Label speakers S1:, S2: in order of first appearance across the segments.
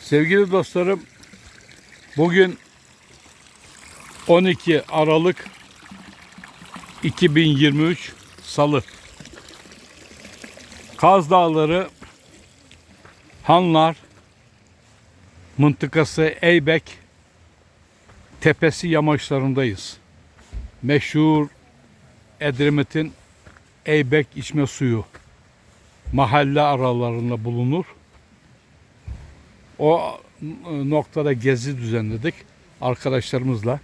S1: Sevgili dostlarım, bugün 12 Aralık 2023 Salı. Kaz Dağları, Hanlar mıntıkası Eybek Tepesi yamaçlarındayız. Meşhur Edremit'in Eybek içme suyu mahalle aralarında bulunur. O noktada gezi düzenledik arkadaşlarımızla.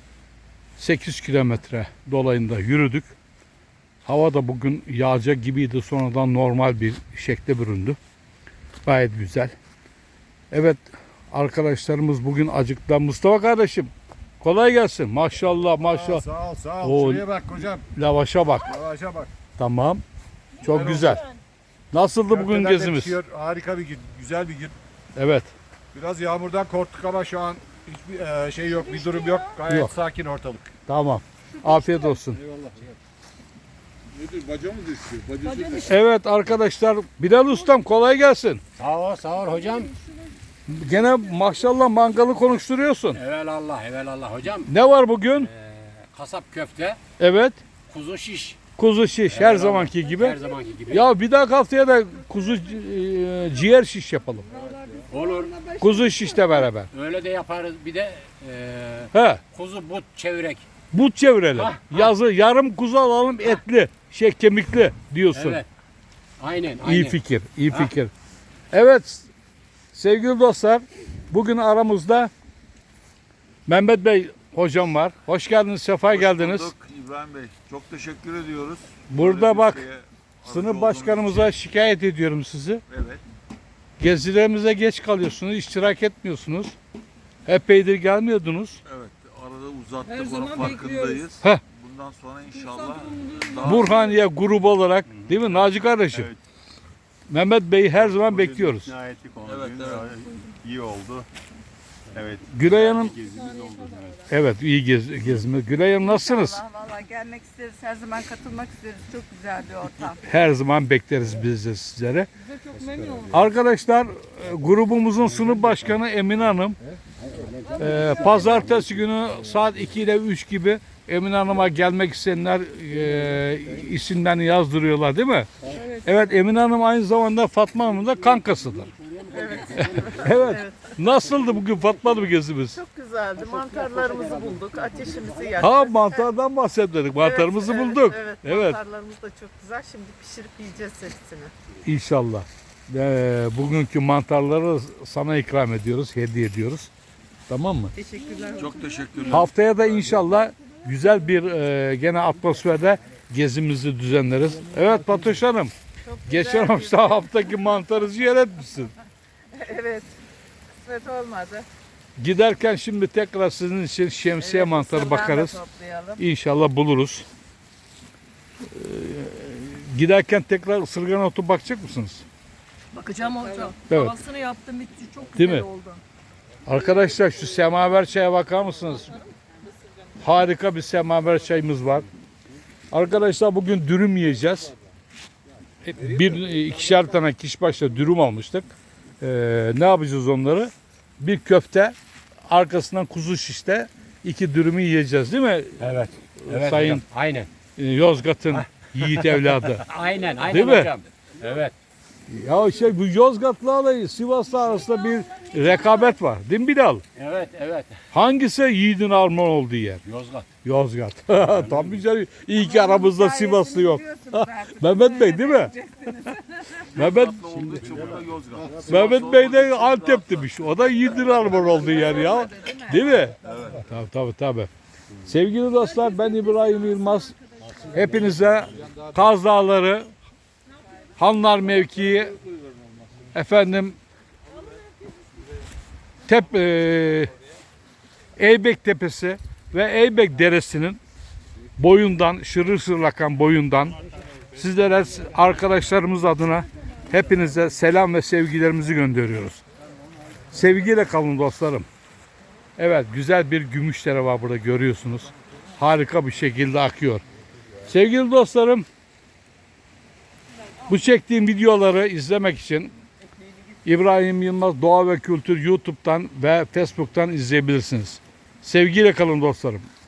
S1: 8 kilometre dolayında yürüdük. Hava da bugün yağacak gibiydi. Sonradan normal bir şekle büründü. Gayet güzel. Evet, arkadaşlarımız bugün acıktılar. Mustafa kardeşim, kolay gelsin. Maşallah maşallah.
S2: Sağ ol sağ ol. Şuraya bak hocam.
S1: Lavaşa bak.
S2: Lavaşa bak.
S1: Tamam. Çok güzel. Nasıldı bugün
S2: Köfteler de
S1: gezimiz?
S2: pişiyor. Harika bir gün. Güzel bir gün.
S1: Evet.
S2: Biraz yağmurdan korktuk ama şu an hiçbir şey yok, bir durum yok. Gayet
S1: Yok.
S2: sakin ortalık.
S1: Tamam. Afiyet olsun.
S2: Eyvallah.
S3: Nedir? Baca mı düşüyor? Bacası
S1: Evet arkadaşlar, Bilal Ustam kolay gelsin.
S4: Sağ ol hocam.
S1: Gene maşallah mangalı konuşturuyorsun.
S4: Evelallah hocam.
S1: Ne var bugün?
S4: Kasap köfte,
S1: Evet.
S4: kuzu şiş.
S1: Kuzu şiş her zamanki gibi.
S4: Her zamanki gibi.
S1: Ya bir daha haftaya da kuzu ciğer şiş yapalım.
S4: Olur.
S1: Kuzu şişle beraber.
S4: Öyle de yaparız. Bir de
S1: He.
S4: kuzu but çevirek.
S1: But çevirelim.
S4: Ha,
S1: Yazı yarım kuzu alalım, etli, kemikli diyorsun.
S4: Evet. Aynen.
S1: İyi fikir, iyi fikir. Evet sevgili dostlar, bugün aramızda Mehmet Bey hocam var. Hoş geldiniz, sefa geldiniz.
S3: bulduk İbrahim Bey. Çok teşekkür ediyoruz.
S1: Burada
S3: Böyle bir
S1: bak,
S3: şeye aracı
S1: Sınıf
S3: olduğunuz
S1: başkanımıza
S3: için.
S1: şikayet ediyorum sizi.
S3: Evet.
S1: Gezilerimize geç kalıyorsunuz, iştirak etmiyorsunuz. Epeydir gelmiyordunuz.
S3: Evet. Arada uzattık.
S5: Her
S3: Onun
S5: zaman
S3: farkındayız.
S1: Heh.
S3: Bundan sonra inşallah daha
S1: Burhaniye grubu olarak, değil mi Naci kardeşim?
S6: Evet.
S1: Mehmet Bey'i her zaman
S6: Bugün
S1: bekliyoruz.
S6: ikna ettik onu.
S3: Evet,
S6: Dün
S3: evet.
S6: iyi oldu. Evet.
S1: Gülay Hanım,
S6: Gezimiz oldu. Evet.
S1: evet iyi gezme. Gülay Hanım nasılsınız?
S5: Valla gelmek isteriz. Her zaman katılmak isteriz. Çok güzel bir ortam.
S1: Her zaman bekleriz biz de sizlere. Arkadaşlar, grubumuzun sınıf başkanı Emine Hanım pazartesi günü saat 2 ile 3 gibi Emine Hanım'a gelmek isteyenler isimlerini yazdırıyorlar değil mi? Evet, Emine Hanım aynı zamanda Fatma Hanım'ın da kankasıdır. Evet. Nasıldı bugün Fatma Hanım gezimiz?
S7: Çok güzeldi. Mantarlarımızı bulduk. Ateşimizi yaktık.
S1: Ha, mantardan bahsettik. Mantarımızı
S7: Evet,
S1: bulduk.
S7: Evet,
S1: Evet.
S7: mantarlarımız da çok güzel. Şimdi pişirip yiyeceğiz hepsini.
S1: İnşallah. Bugünkü mantarları sana ikram ediyoruz, hediye ediyoruz. Tamam mı?
S7: Teşekkürler.
S3: çok teşekkürler.
S1: Haftaya da inşallah güzel bir gene atmosferde gezimizi düzenleriz. Evet Fatoş Hanım. Geçen haftaki mantarı ziyaret etmişsin.
S7: Evet. Kısmet olmadı.
S1: Giderken şimdi tekrar sizin için şemsiye
S7: Evet,
S1: mantarı
S7: mısırdan da
S1: bakarız.
S7: toplayalım.
S1: İnşallah buluruz. Giderken tekrar ısırgan otu bakacak mısınız?
S5: Bakacağım hocam.
S1: Evet.
S5: Havasını yaptım bitti. Çok
S1: Değil
S5: güzel
S1: mi?
S5: oldu.
S1: Arkadaşlar şu semaver çaya bakar mısınız? Harika bir semaver çayımız var. Arkadaşlar bugün dürüm yiyeceğiz. İkişer tane kişi başına dürüm almıştık. Ne yapacağız onları? Bir köfte, arkasından kuzu şişte 2 dürümü yiyeceğiz değil mi?
S4: Evet. Evet
S1: Sayın
S4: hocam. Aynen.
S1: Yozgat'ın yiğit evladı.
S4: Aynen
S1: Değil mi?
S4: hocam. Evet.
S1: Ya bu Yozgat'la Sivas'la arasında bir rekabet var. Değil mi Bilal?
S4: Evet.
S1: Hangisi yiğidin armağan olduğu yer?
S4: Yozgat.
S1: Yozgat. Tam güzel. İyi ki aramızda Sivaslı yok.
S5: Biliyorsunuz artık.
S1: Mehmet Bey değil mi? Mehmet
S3: Tatlı olduğu için burada Yozgat.
S1: Mehmet Bey de Antep'tmiş. O da yiğidin armağan olduğu yer ya. Değil mi? Evet. Tabii. Sevgili dostlar, ben İbrahim Yılmaz. Hepinize Kaz Dağları, Hanlar mevkii, efendim Eybek Tepesi ve Eybek Deresi'nin boyundan, şırır şırır akan boyundan sizlere, arkadaşlarımız adına hepinize selam ve sevgilerimizi gönderiyoruz. Sevgiyle kalın dostlarım. Evet, güzel bir gümüşdere var burada, görüyorsunuz. Harika bir şekilde akıyor. Sevgili dostlarım, bu çektiğim videoları izlemek için İbrahim Yılmaz Doğa ve Kültür YouTube'dan ve Facebook'tan izleyebilirsiniz. Sevgiyle kalın dostlarım.